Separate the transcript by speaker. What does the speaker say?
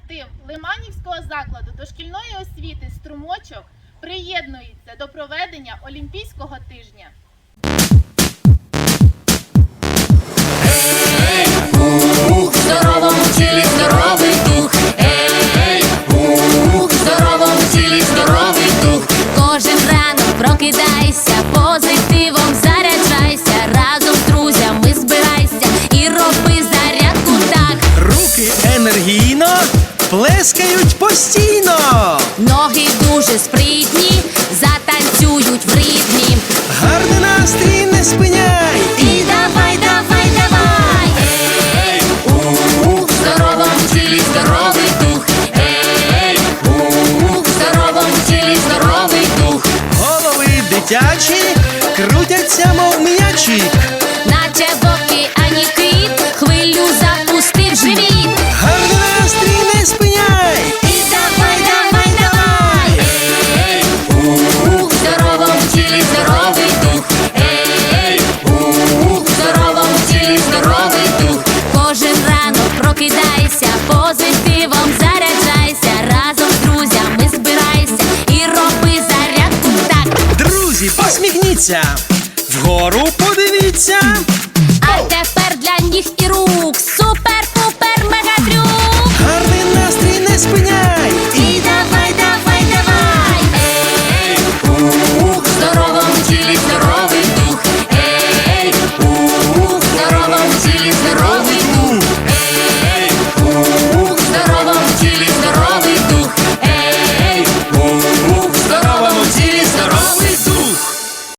Speaker 1: колектив Лиманівського закладу дошкільної освіти «Струмочок» приєднується до проведення Олімпійського тижня.
Speaker 2: В здоровому тілі здоровий дух. Ей, в здоровому тілі здоровий дух.
Speaker 3: Кожен ранок прокидайся, позитивом заряджайся, разом з друзями збирайся і роби зарядку так.
Speaker 4: Руки енергійно плескають постійно.
Speaker 3: Ноги дуже спритні, затанцюють в ритмі.
Speaker 4: Гарний настрій не спиняй.
Speaker 3: І давай, давай, давай.
Speaker 2: Ей, в здоровому тілі здоровий дух. Ей, в здоровому тілі здоровий дух.
Speaker 4: Голови дитячі крутяться, мов м'ячі.
Speaker 3: Наче в океані кит, хвилю запустив живіт.
Speaker 4: Гарний настрій не спиняй.
Speaker 3: І давай, давай, давай.
Speaker 2: Ей, в здоровому тілі здоровий дух. Ей, в здоровому тілі здоровий дух.
Speaker 3: Кожен ранок прокидайся, позитивом заряджайся, разом з друзями збирайся і роби зарядку так.
Speaker 4: Друзі, посміхніться, вгору подивіться.